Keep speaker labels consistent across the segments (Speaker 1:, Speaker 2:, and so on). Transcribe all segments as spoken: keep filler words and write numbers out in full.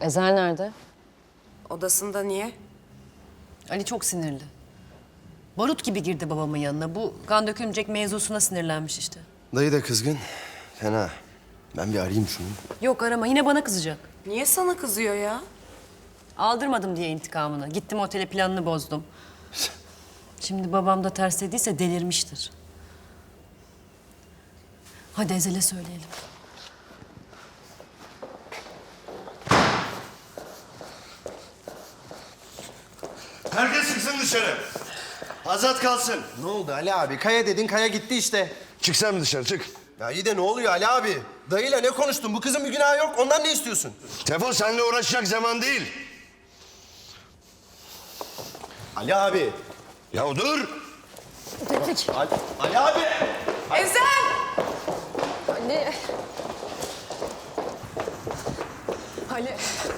Speaker 1: Ezel nerede?
Speaker 2: Odasında niye?
Speaker 1: Ali çok sinirli. Barut gibi girdi babamın yanına. Bu kan dökülmeyecek mevzusuna sinirlenmiş işte.
Speaker 3: Dayı da kızgın. Fena. Ben bir arayayım şunu.
Speaker 1: Yok arama, yine bana kızacak.
Speaker 2: Niye sana kızıyor ya?
Speaker 1: Aldırmadım diye intikamını. Gittim otele, planını bozdum. Şimdi babam da ters dediyse delirmiştir. Hadi Ezel'e söyleyelim.
Speaker 3: Herkes çıksın dışarı. Azat kalsın.
Speaker 4: Ne oldu Ali abi? Kaya dedin, Kaya gitti işte.
Speaker 3: Çık sen mi dışarı çık.
Speaker 4: Ya iyi de ne oluyor Ali abi? Dayıyla ne konuştun? Bu kızın bir günahı yok. Ondan ne istiyorsun?
Speaker 3: Tefo seninle uğraşacak zaman değil.
Speaker 4: Ali abi.
Speaker 3: Ya dur.
Speaker 4: Ali, Ali abi.
Speaker 2: Ezel!
Speaker 1: Ali. Ali.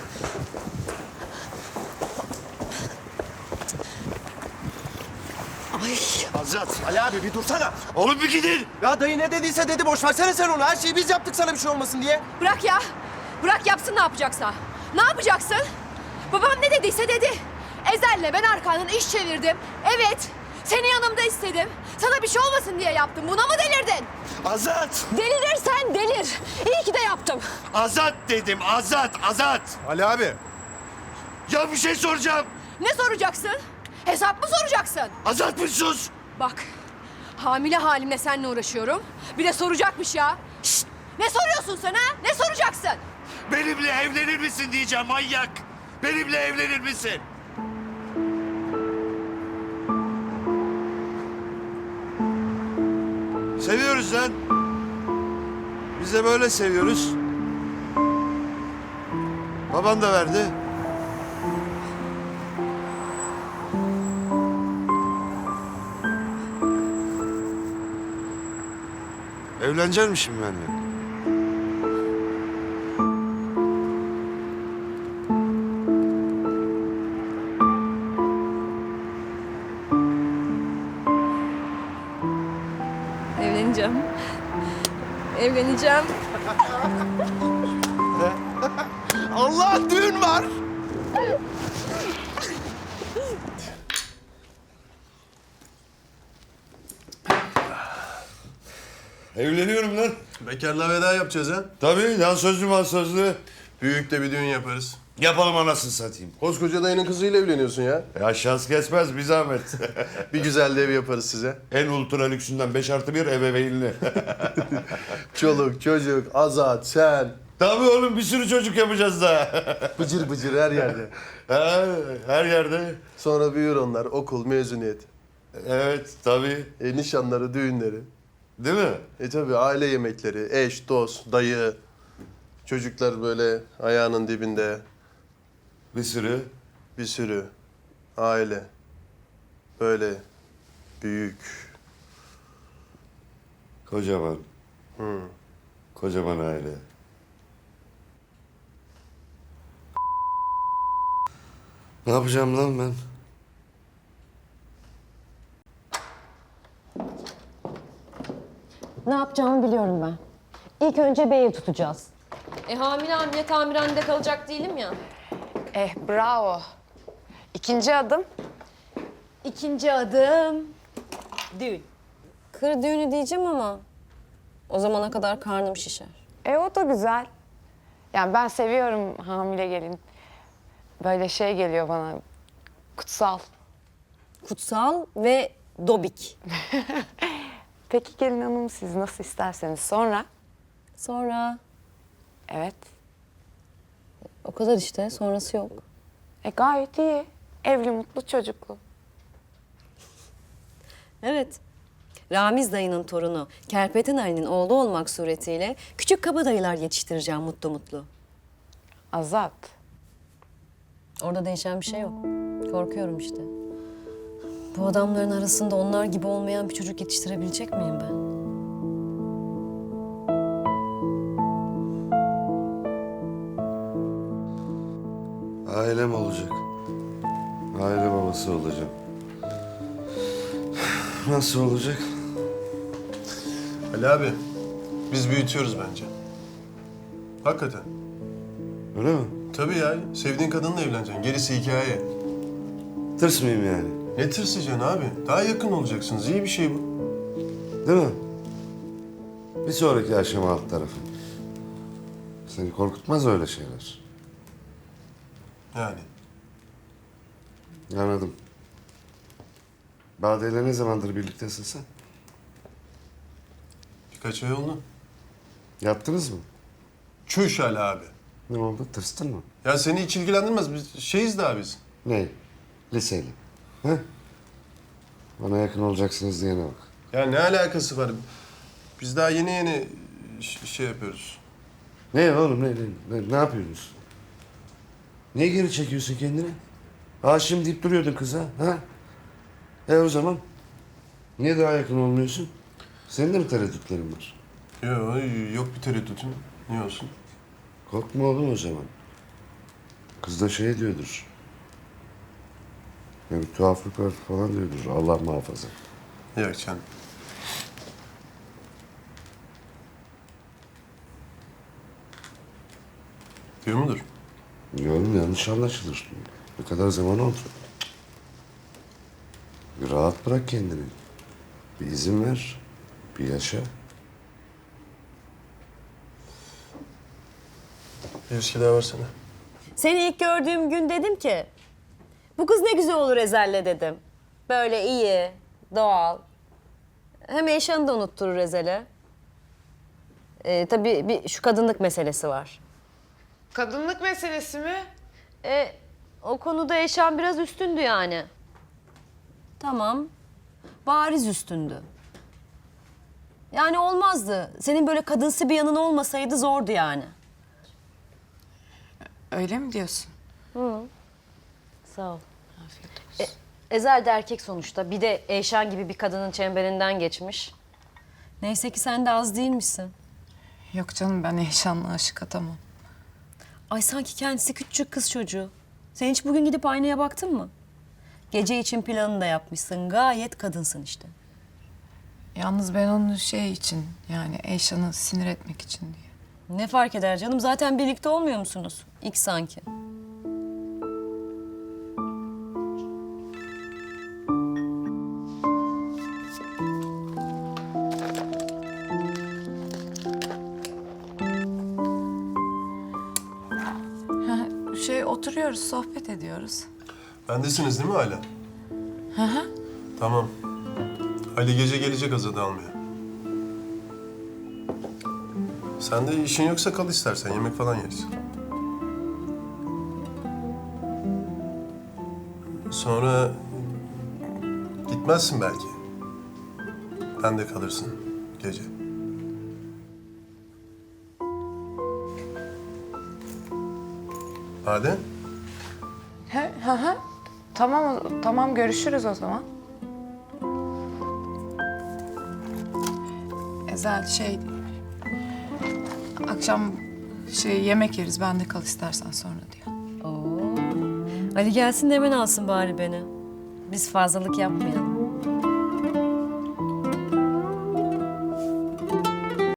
Speaker 1: Ay.
Speaker 3: Azat.
Speaker 4: Ali abi bir dursana.
Speaker 3: Oğlum bir gidin.
Speaker 4: Ya dayı ne dediyse dedi. Boş versene sen onu. Her şeyi biz yaptık sana bir şey olmasın diye.
Speaker 5: Bırak ya. Bırak yapsın ne yapacaksa. Ne yapacaksın? Babam ne dediyse dedi. Ezel'le ben arkandan iş çevirdim. Evet. Seni yanımda istedim. Sana bir şey olmasın diye yaptım. Buna mı delirdin?
Speaker 3: Azat.
Speaker 5: Delirirsen delir. İyi ki de yaptım.
Speaker 3: Azat dedim. Azat. Azat.
Speaker 4: Ali abi.
Speaker 3: Ya bir şey soracağım.
Speaker 5: Ne soracaksın? Hesap mı soracaksın?
Speaker 3: Azat bir sus.
Speaker 5: Bak. Hamile halimle seninle uğraşıyorum. Bir de soracakmış ya. Şşt! Ne soruyorsun sen ha? Ne soracaksın?
Speaker 3: Benimle evlenir misin diyeceğim manyak. Benimle evlenir misin? Seviyoruz lan. Biz de böyle seviyoruz. Baban da verdi. Evlenecek misin benimle?
Speaker 5: Evleneceğim. Evleneceğim.
Speaker 4: Allah düğün var.
Speaker 3: Evleniyorum lan.
Speaker 6: Bekarlığa veda yapacağız ha.
Speaker 3: Tabii lan sözlü mal sözlü.
Speaker 6: Büyük de bir düğün yaparız.
Speaker 3: Yapalım anasını satayım.
Speaker 6: Koskoca dayının kızıyla evleniyorsun ya.
Speaker 3: Ya şans kesmez bir zahmet.
Speaker 6: Bir güzel de ev yaparız size.
Speaker 3: En ultra lüksünden beş artı bir ebeveynli.
Speaker 6: Çoluk, çocuk, Azat, sen.
Speaker 3: Tabii oğlum bir sürü çocuk yapacağız daha.
Speaker 6: Bıcır bıcır her yerde.
Speaker 3: Ha, her yerde.
Speaker 6: Sonra büyür onlar, okul, mezuniyet.
Speaker 3: Evet tabii.
Speaker 6: E, nişanları, düğünleri.
Speaker 3: Değil mi?
Speaker 6: E tabii aile yemekleri, eş, dost, dayı. Çocuklar böyle ayağının dibinde.
Speaker 3: Bir sürü.
Speaker 6: Bir sürü. Aile. Böyle büyük.
Speaker 3: Kocaman.
Speaker 6: Hı.
Speaker 3: Kocaman aile. Ne yapacağım lan ben?
Speaker 1: Ne yapacağımı biliyorum ben. İlk önce bir ev tutacağız.
Speaker 7: E hamile hamile tamirhanede kalacak değilim ya.
Speaker 2: Eh bravo. İkinci adım.
Speaker 1: İkinci adım düğün. Kır düğünü diyeceğim ama o zamana kadar karnım şişer.
Speaker 2: E o da güzel. Yani ben seviyorum hamile gelin. Böyle şey geliyor bana. Kutsal.
Speaker 1: Kutsal ve dobik.
Speaker 2: Peki gelin hanım siz nasıl isterseniz sonra.
Speaker 1: Sonra
Speaker 2: Evet.
Speaker 1: o kadar işte, sonrası yok.
Speaker 2: E gayet iyi. Evli, mutlu, çocuklu.
Speaker 1: Evet. Ramiz dayının torunu Kerpeten Ali'nin oğlu olmak suretiyle küçük kabadayılar yetiştireceğim mutlu mutlu.
Speaker 2: Azat.
Speaker 1: Orada değişen bir şey yok. Korkuyorum işte. Bu adamların arasında onlar gibi olmayan bir çocuk yetiştirebilecek miyim ben?
Speaker 3: Ailem olacak. Aile babası olacağım. Nasıl olacak?
Speaker 6: Ali abi, biz büyütüyoruz bence. Hakikaten.
Speaker 3: Öyle mi?
Speaker 6: Tabii ya. Sevdiğin kadınla evleneceksin. Gerisi hikaye.
Speaker 8: Tırsmayayım yani.
Speaker 6: Ne tırsıcaksın abi? Daha yakın olacaksınız. İyi bir şey bu.
Speaker 8: Değil mi? Bir sonraki aşama alt tarafı. Seni korkutmaz öyle şeyler.
Speaker 6: Yani.
Speaker 8: Anladım. Bade'yle ne zamandır birliktesin sen?
Speaker 6: Birkaç ay oldu.
Speaker 8: Yaptınız mı?
Speaker 6: Çüş Ali abi.
Speaker 8: Ne oldu? Tırstın mı?
Speaker 6: Ya seni hiç ilgilendirmez. Biz şeyiz daha biz.
Speaker 8: Ne? Liseli. He? Bana yakın olacaksınız diyene bak.
Speaker 6: Ya ne alakası var? Biz daha yeni yeni ş- şey yapıyoruz.
Speaker 8: Ne oğlum ne, ne, ne, ne yapıyorsunuz? Niye geri çekiyorsun kendini? Aşığım deyip duruyordun kıza, ha? E o zaman? Niye daha yakın olmuyorsun? Senin de mi tereddütlerin var?
Speaker 6: Yok, yok bir tereddütüm. Niye olsun?
Speaker 8: Korkma oğlum o zaman. Kız da şey diyordur. Ya bir tuhaflık var falan diyordur. Allah muhafaza.
Speaker 6: Yok canım. Diyor mudur?
Speaker 8: Yorum yanlış anlaşılır. Ne kadar zaman oldu? Bir rahat bırak kendini. Bir izin ver. Bir yaşa.
Speaker 6: Bir viski daha versene.
Speaker 1: Seni ilk gördüğüm gün dedim ki... Bu kız ne güzel olur Ezel'le dedim. Böyle iyi, doğal. Hem Eyşan'ı da unutturur Ezel'e. Ee, tabii bir şu kadınlık meselesi var.
Speaker 2: Kadınlık meselesi mi?
Speaker 1: E, o konuda Eyşan biraz üstündü yani. Tamam. Bariz üstündü. Yani olmazdı. Senin böyle kadınsı bir yanın olmasaydı zordu yani.
Speaker 2: Öyle mi diyorsun?
Speaker 1: Sağ ol. E, Ezel de erkek sonuçta. Bir de Eyşan gibi bir kadının çemberinden geçmiş. Neyse ki sen de az değilmişsin.
Speaker 2: Yok canım, ben Eyşan'la aşık adamım.
Speaker 1: Ay sanki kendisi küçük kız çocuğu. Sen hiç bugün gidip aynaya baktın mı? Gece için planını da yapmışsın. Gayet kadınsın işte.
Speaker 2: Yalnız ben onu şey için, yani Eyşan'ı sinir etmek için diye.
Speaker 1: Ne fark eder canım? Zaten birlikte olmuyor musunuz? İlk sanki.
Speaker 2: Şey, oturuyoruz, sohbet ediyoruz.
Speaker 6: Bendesiniz değil mi hala?
Speaker 2: Hı hı.
Speaker 6: Tamam. Ali gece gelecek Azad'ı almaya. Sen de işin yoksa kal istersen. Yemek falan yeriz. Sonra gitmezsin belki. Ben de kalırsın gece. Hadi.
Speaker 2: He, hı hı. Tamam, tamam, görüşürüz o zaman. Ezel şey... Akşam şey yemek yeriz, ben de kal istersen sonra diyor.
Speaker 1: Oo. Ali gelsin de hemen alsın bari beni. Biz fazlalık yapmayalım.